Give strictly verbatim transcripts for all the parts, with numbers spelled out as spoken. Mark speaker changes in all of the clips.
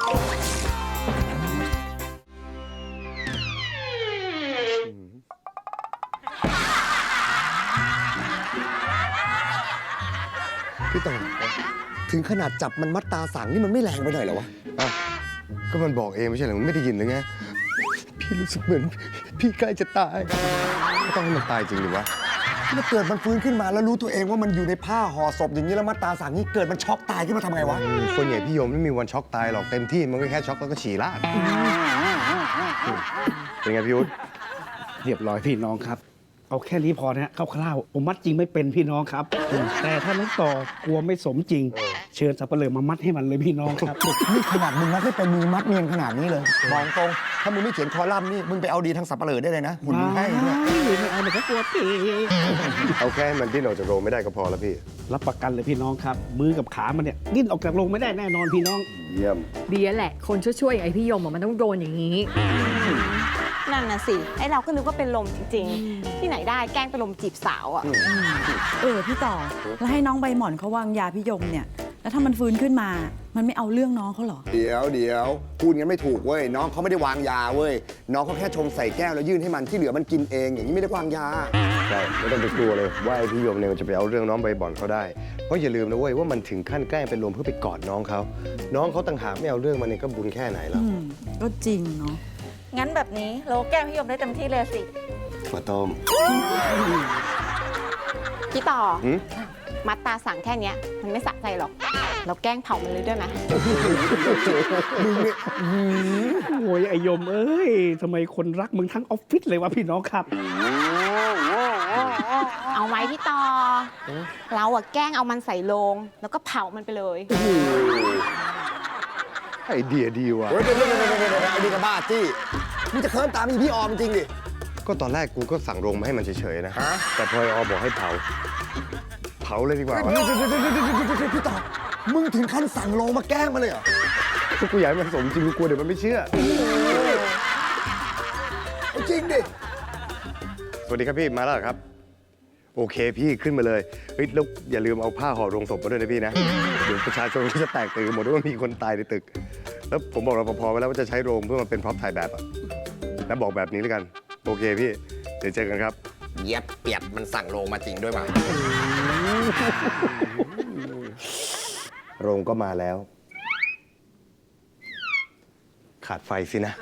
Speaker 1: พี่ต่อถึงขนาดจับมันมัดตาสั่งนี่มันไม่แรงไปหน่อยเหรอวะอ่ะก็มันบอกเองไม่ใช่เหรอมันไม่ได้ยินหรือไงพี่รู้สึกเหมือนพี่ใกล้จะตายไม่ต้องให้มันตายจริงหรือวะถ้าเกิดมันฟื้นขึ้นมาแล้วรู้ตัวเองว่ามันอยู่ในผ้าห่อศพอย่างนี้แล้วมัดตาสั่งนี่เกิดมันช็อกตายขึ้นมาทำไงวะส่วนใหญ่พี่โยมไม่มีวันช็อกตายหรอกเต็มที่มันก็แค่ช็อกแล้วก็ฉี่ราดเป็นไงพี่ยุทธ
Speaker 2: เรียบร้อยพี่น้องครับเอาแค่นี้พอนะคร่าวๆผมมัดจริงไม่เป็นพี่น้องครับแต่ถ้าน้องต่อกลัวไม่สมจริงเชิญสับปะเลอมามัดให้มันเลยพี่น้องครับ
Speaker 1: นี่ขนาดมึงมัดไม่เป็นมึงมัดเนียนขนาดนี้เลยบอกตรงถ้ามึงไม่เขียนคอลัมน์นี่มึงไปเอาดีทางสับปะเลอได้เลยนะหุ่นมึงให้เนี่ย
Speaker 2: ไม่เอาเลยครับกลัวปี
Speaker 1: เอาแค่มันดิ้นออกจากโรงไม่ได้ก็พอแล้วพี่
Speaker 2: รับประกันเลยพี่น้องครับมือกับขามันเนี่ยดิ้นออกจากโรงไม่ได้แน่นอนพี่น้อง
Speaker 1: เยี่ยม
Speaker 3: ดีแหละคนช่วยๆอย่างไอพี่ยมมันต้องโดนอย่างนี้
Speaker 4: นั่นน่ะสิไอเราก็นึกว่าเป็นลมจริงๆที่ไหนได้แกล้งเป็นลมจีบสาวอ่ะ
Speaker 5: เออพี่ต่อแล้วให้น้องใบหม่อนเขาวางยาพี่ยมเนี่ยแล้วถ้ามันฟื้นขึ้นมามันไม่เอาเรื่องน้องเขาเหรอ
Speaker 1: เดี๋ยวเดี๋ยวพูดงั้นไม่ถูกเว้ยน้องเขาไม่ได้วางยาเว้ยน้องเขาแค่ชงใส่แก้วแล้วยื่นให้มันที่เหลือมันกินเองอย่างนี้ไม่ได้วางยาใช่ไม่ต้องไปกลัวเลยว่าไอ้พี่โยมเนี่ยมันจะไปเอาเรื่องน้องใบบ่อนเขาได้เพราะอย่าลืมนะเว้ยว่ามันถึงขั้นแกล้งเป็นลมเพื่อไปกอดน้องเขาน้องเขาต่างหากไม่เอาเรื่องมันเนี่ยก็บุญแค่ไหนแล้ว
Speaker 5: ก็จริงเนาะ
Speaker 4: งั้นแบบนี้เราแกล้งพี่ยมได้เต็มที่เลยสิ
Speaker 1: ถั่วต้ม
Speaker 4: พี่ต่อมัดตาสั่งแค่นี้มันไม่สะใจหรอกเราแกล้งเผามันเลยด้วยไหม
Speaker 2: โอ้ยไอยมเอ้ยทำไมคนรักมึงทั้งออฟฟิศเลยวะพี่น้องครับ
Speaker 4: เอาไหมพี่ต่อเราอะแกล้งเอามันใส่โลงแล้วก็เผามันไปเลย
Speaker 1: ไอเดียดีว่ะเฮ้ยเดี๋ยวเดี๋ยวเดี๋ยวเดี๋ยวไอเดียกระบ้าจี้มึงจะเคิร์มตามอีพี่ออมจริงดิก็ตอนแรกกูก็สั่งโรงมาให้มันเฉยๆนะแต่พอไอออมบอกให้เผาเผาเลยดีกว่าพี่ต่อมึงถึงขั้นสั่งโรงมาแกล้งมาเลยเหรอกูอยากให้มันสมจริงกูกลัวเดี๋ยวมันไม่เชื่อจริงดิสวัสดีครับพี่มาแล้วครับโอเคพี่ขึ้นมาเลยเฮ้ยแล้วอย่าลืมเอาผ้าห่อโรงศพมาด้วยนะพี่นะเดี๋ยวประชาชนก็จะแตกตื่นหมดว่ามีคนตายในตึกแล้วผมบอกรปภไว้แล้วว่าจะใช้โรงเพื่อมาเป็นพร็อพถ่ายแบบอ่ะแล้วบอกแบบนี้แล้วกันโอเคพี่เดี๋ยวเจอกันครับ
Speaker 6: เย็บเปียบมันสั่งโรงมาจริงด้วยมั้ย
Speaker 1: โรงก็มาแล้วขาดไฟสินะ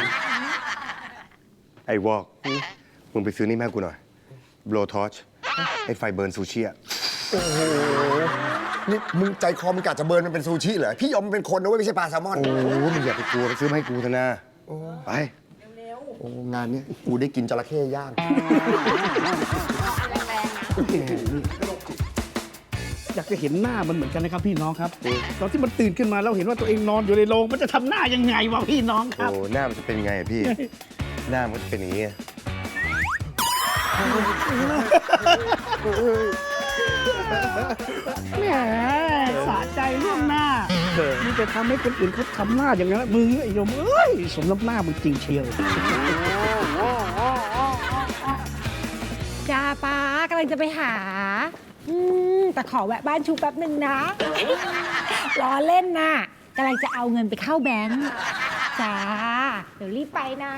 Speaker 1: ไอ้วอกมึงไปซื้อนี่แม่กูหน่อยโบลทอชไอ้ไฟเบิร์นซูชิอ่ะโอ้โหนี่มึงใจคอมึงกะจะเบิร์นมันเป็นซูชิเหรอพี่ยอมมันเป็นคนนะเว้ยไม่ใช่ปลาแซลมอนโอ้โหมึงอย่าไปกลัวไปซื้อมาให้กูเถอะนะไปโอ้งานนี้กูได้กินจระเข้ย่าง
Speaker 2: อยากจะเห็นหน้ามันเหมือนกันนะครับพี่น้องครับตอนที่มันตื่นขึ้นมาแล้วเห็นว่าตัวเองนอนอยู่ในโรงมันจะทำหน้ายังไงวะพี่น้องครับ
Speaker 1: โอ้หน้ามันจะเป็นไงพี่หน้ามันจะเป็นอย่างนี้
Speaker 2: แหมสะใจเรื่องหน้ามึงจะทำให้คนอื่นเขาทำหน้าอย่างนั้นมึงไอ้โยมเอ้ยสมน้ำหน้ามึงจริงเชียว
Speaker 3: จ้าป้ากำลังจะไปหาอืมแต่ขอแวะบ้านชูแป๊บหนึ่งนะล้อเล่นน่ะกำลังจะเอาเงินไปเข้าแบงค์จ้าเดี๋ยวรีบไปนะ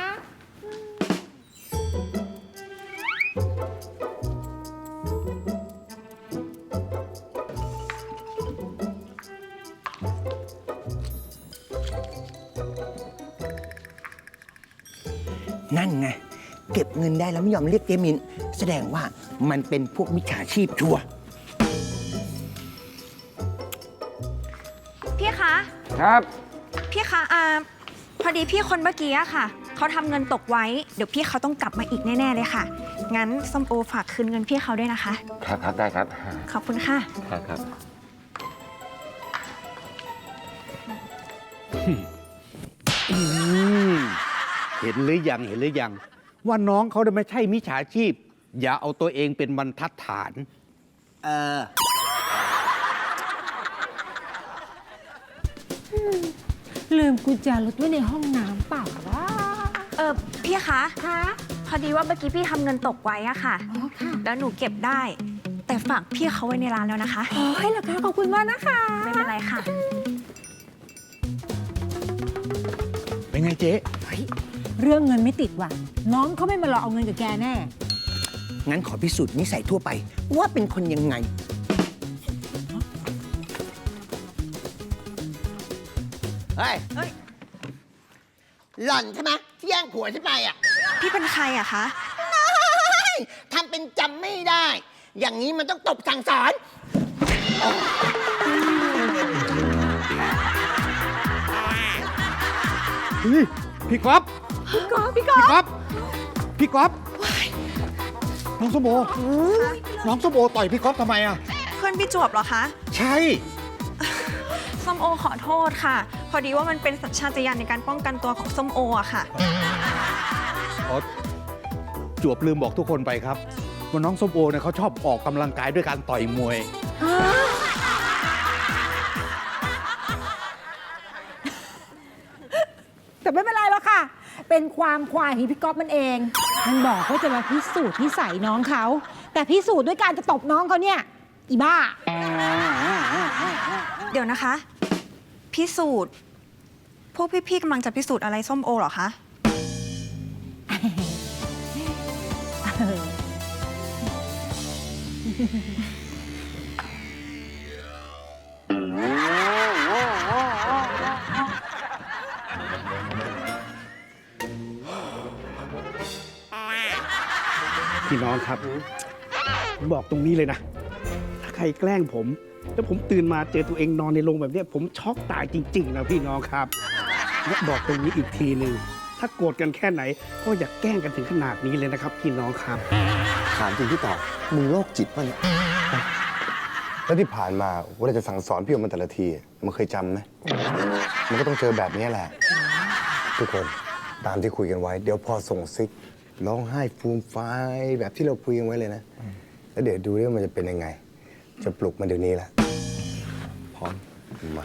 Speaker 6: นั่นไงเก็บเงินได้แล้วไม่ยอมเรียกเจมินแสดงว่ามันเป็นพวกมิจฉาชีพชัวร์
Speaker 7: พี่คะ
Speaker 2: ครับ
Speaker 7: พี่คะอ่าพอดีพี่คนเมื่อกี้อะค่ะเขาทำเงินตกไว้เดี๋ยวพี่เขาต้องกลับมาอีกแน่ๆเลยค่ะงั้นส้มโอฝากคืนเงินพี่เขาด้วยนะคะ
Speaker 1: ครับครับได้ครับ
Speaker 7: ขอบคุณค่ะ
Speaker 1: ครับครับ
Speaker 2: เห็นหรือยังเห็นหรือยังว่าน้องเขาไม่ใช่มิจฉาชีพอย่าเอาตัวเองเป็นบรรทัดฐาน
Speaker 6: เออ
Speaker 3: ลืมกุญแจรถไว้ในห้องน้ำเปล่าวะ
Speaker 7: เออพี่คะ
Speaker 3: คะ
Speaker 7: พอดีว่าเมื่อกี้พี่ทำเงินตกไว้อะค่ะ
Speaker 3: อ๋อค่ะ
Speaker 7: แล้วหนูเก็บได้แต่ฝากพี่เขาไว้ในร้านแล้วนะคะ
Speaker 3: โอ้ยเหรอคะขอบคุณมากนะคะ
Speaker 7: ไม่เป็นไรค่ะ
Speaker 6: ยังไงเจ๊
Speaker 3: เรื่องเงินไม่ติดว่ะ น้องเขาไม่มาหลอกเอาเงินกับแกแน่
Speaker 6: งั้นขอพิสูจน์นิสัยทั่วไป ว่าเป็นคนยังไง เฮ้ย หล่อนใช่ไหมที่แย่งผัวฉันไปอ่ะ
Speaker 7: พี่เป็นใครอะคะ
Speaker 6: ทำเป็นจำไม่ได้ อย่างนี้มันต้องตบสั่งสอน
Speaker 2: พี่ก๊อฟพี่ก๊อฟพี่ก๊อฟพี่ก๊อฟน้องส้มโอน้องส้มโอต่อยพี่ก๊อฟทำไมอ่ะ
Speaker 7: เพื่อนพี่จวบเหรอคะ
Speaker 2: ใช่
Speaker 7: ส้มโอขอโทษค่ะ พอดีว่ามันเป็นสัญชาตญาณในการป้องกันตัวของส้มโออะค่ะ
Speaker 8: อ๋อจวบลืมบอกทุกคนไปครับว่าน้องส้มโอเนี่ยเขาชอบออกกำลังกายด้วยการต่อยมวย
Speaker 3: แต่ไม่เป็นไรหรอกค่ะ เป็นความควายของพี่ก๊อฟมันเอง มันบอกว่าจะมาพิสูจน์นิสัยน้องเขา แต่พิสูจน์ด้วยการจะตบน้องเขาเนี่ย อีบ้า
Speaker 7: เดี๋ยวนะคะ พิสูจน์ พวกพี่ๆกำลังจะพิสูจน์อะไรส้มโอเหรอคะ
Speaker 2: พี่น้องครับผมบอกตรงนี้เลยนะ ถ้าใครแกล้งผม แล้วผมตื่นมาเจอตัวเองนอนในโรงแบบเนี้ยผมช็อกตายจริง ๆ นะพี่น้องครับและบอกตรงนี้อีกทีหนึ่งถ้าโกรธกันแค่ไหน ก็อย่าแกล้งกันถึงขนาดนี้เลยนะครับ พี่น้องครับ
Speaker 1: ถามจริงพี่ต่อมึงโรคจิตป่ะเนี่ยแล้วที่ผ่านมาเวลาจะสั่งสอนพี่ออกมาแต่ละทีมันเคยจำไหมมันก็ต้องเจอแบบนี้แหละ ทุกคนตามที่คุยกันไว้ เดี๋ยวพอส่งซิกร้องไห้ฟูมฟายแบบที่เราคุยกันไว้เลยนะ แล้วเดี๋ยวดูว่ามันจะเป็นยังไง จะปลุกมันเดี๋ยวนี้แหละพร้อมมา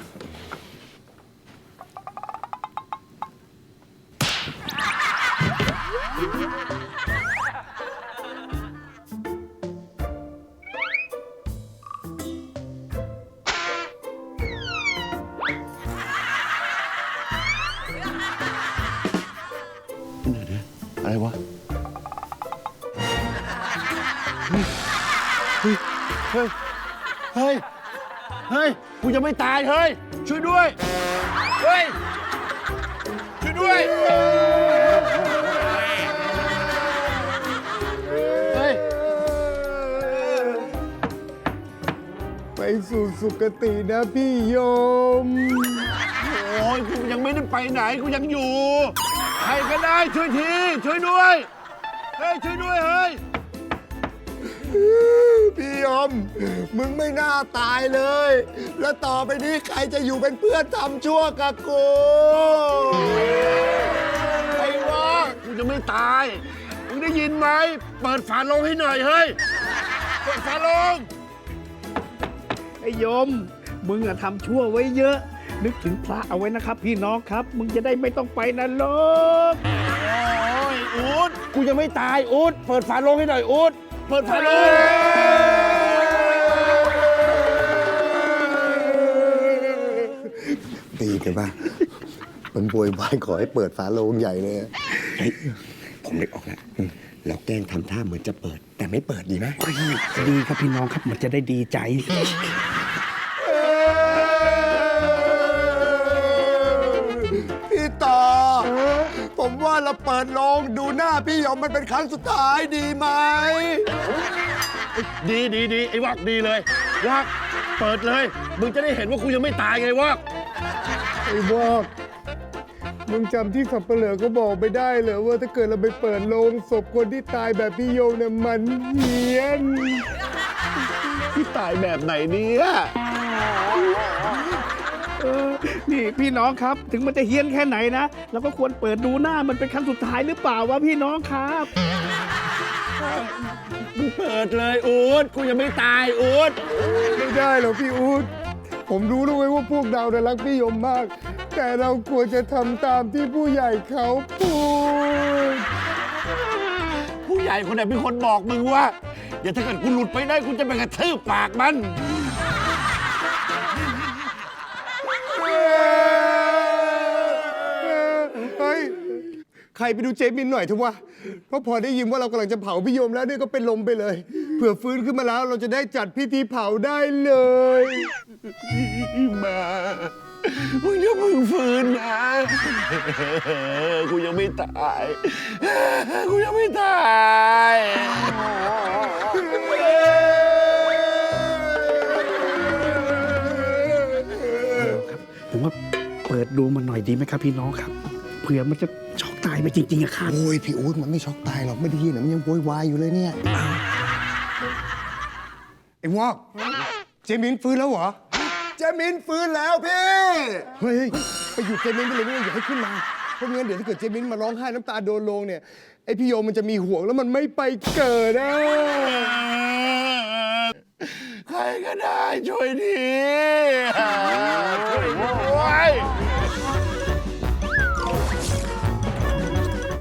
Speaker 1: อะไรวะ
Speaker 8: เฮ้ย เฮ้ย เฮ้ย เฮ้ย กูจะไม่ตาย เฮ้ย ช่วยด้วย เฮ้ย ช่วยด้วย เฮ้ย
Speaker 1: ไปสู่สุคตินะพี่โยม
Speaker 8: โอ้ย กูยังไม่ได้ไปไหน กูยังอยู่ ใครก็ได้ช่วยที ช่วยด้วย เฮ้ย ช่วยด้วย เฮ้ย
Speaker 1: พี่ยม มึงไม่น่าตายเลย แล้วต่อไปนี้ใครจะอยู่เป็นเพื่อนทำชั่วกับกู
Speaker 8: ไอ้วะกูจะไม่ตาย มึงได้ยินไหม เปิดฝาโลงให้หน่อย เฮ้ย เปิดฝาโลง
Speaker 2: ไอ้โยม มึงอะทำชั่วไว้เยอะ นึกถึงพระเอาไว้นะครับ พี่น้องครับ มึงจะได้ไม่ต้องไปนรก
Speaker 8: โอ้ย อูดกูยังไม่ตาย อูดเปิดฝาโลงให้หน่อย อูดเปิดฝาโลง
Speaker 1: ตีกันป่ะมันโวยวายขอให้เปิดฝาโลงใหญ่เลยเฮ้ยผมนึกออกแล้วเราแกล้งทำท่าเหมือนจะเปิด แต่ไม่เปิดดีไหม
Speaker 2: ดีครับพี่น้องครับ มันจะได้ดีใจ
Speaker 1: พี่ต่อ ผมว่าเราเปิดโลงดูหน้าพี่ยมมันเป็นครั้งสุดท้ายดีไหม
Speaker 8: ดีดีดีไอ้วักดีเลย วักเปิดเลย มึงจะได้เห็นว่ากูยังไม่ตายไงวัก
Speaker 1: ไอ้บอกมึงจำที่สับเปลือก็บอกไม่ได้เหรอว่าถ้าเกิดเราไปเปิดโลงศพคนที่ตายแบบพี่โยมเนี่ยมันเฮี้ยน
Speaker 8: พี่ตายแบบไหนเนี่ย
Speaker 2: เออนี่พี่น้องครับ ถึงมันจะเฮี้ยนแค่ไหนนะเราก็ควรเปิดดูหน้ามันเป็นครั้งสุดท้ายหรือเปล่าวะพี่น้องครับ
Speaker 8: มึงเปิดเลยอูดกูยังไม่ตายอูด
Speaker 1: ไม่ได้หรอกพี่อู๊ดผมรู้แล้วไว้ว่าพวกเราเนี่ยรักพี่ยมมาก แต่เราควรจะทำตามที่ผู้ใหญ่เขาพูด
Speaker 8: ผู้ใหญ่คนไหนเป็นคนบอกมึงว่าอย่าถ้าเกิดกูหลุดไปได้กูจะไปกระทืบปากมัน
Speaker 1: เฮ้ยใครไปดูเจมินหน่อยเถอะวะเพราะพอได้ยินว่าเรากำลังจะเผาพี่ยมแล้วเนี่ยก็เป็นลมไปเลย เผื่อฟื้นขึ้นมาแล้วเราจะได้จัดพิธีเผาได้เลยมามึงอย่าเพิ่งฟื้นนะกูยังไม่ตายกูยังไม่ตาย
Speaker 2: ผมว่าเปิดดูมันหน่อยดีไหมครับพี่น้องครับเผื่อมันจะช็อกตายไปจริงๆอะครับ
Speaker 1: โอ้ยพี่อู๊ดมันไม่ช็อกตายหรอกไม่ได้ยินนะมันยังโวยวายอยู่เลยเนี่ยไอ้วอกเจมินฟื้นแล้วเหรอเจมินฟื้นแล้วพี่เฮ้ยไปหยุดเจมินไปเลยไม่ต้องอย่าให้ขึ้นมาเพราะงั้นเดี๋ยวถ้าเกิดเจมินมาร้องไห้น้ำตาโดนลงเนี่ยไอพี่โยมมันจะมีห่วงแล้วมันไม่ไปเกิดนะใครก็ได้ช่วยทีช่วยด้วย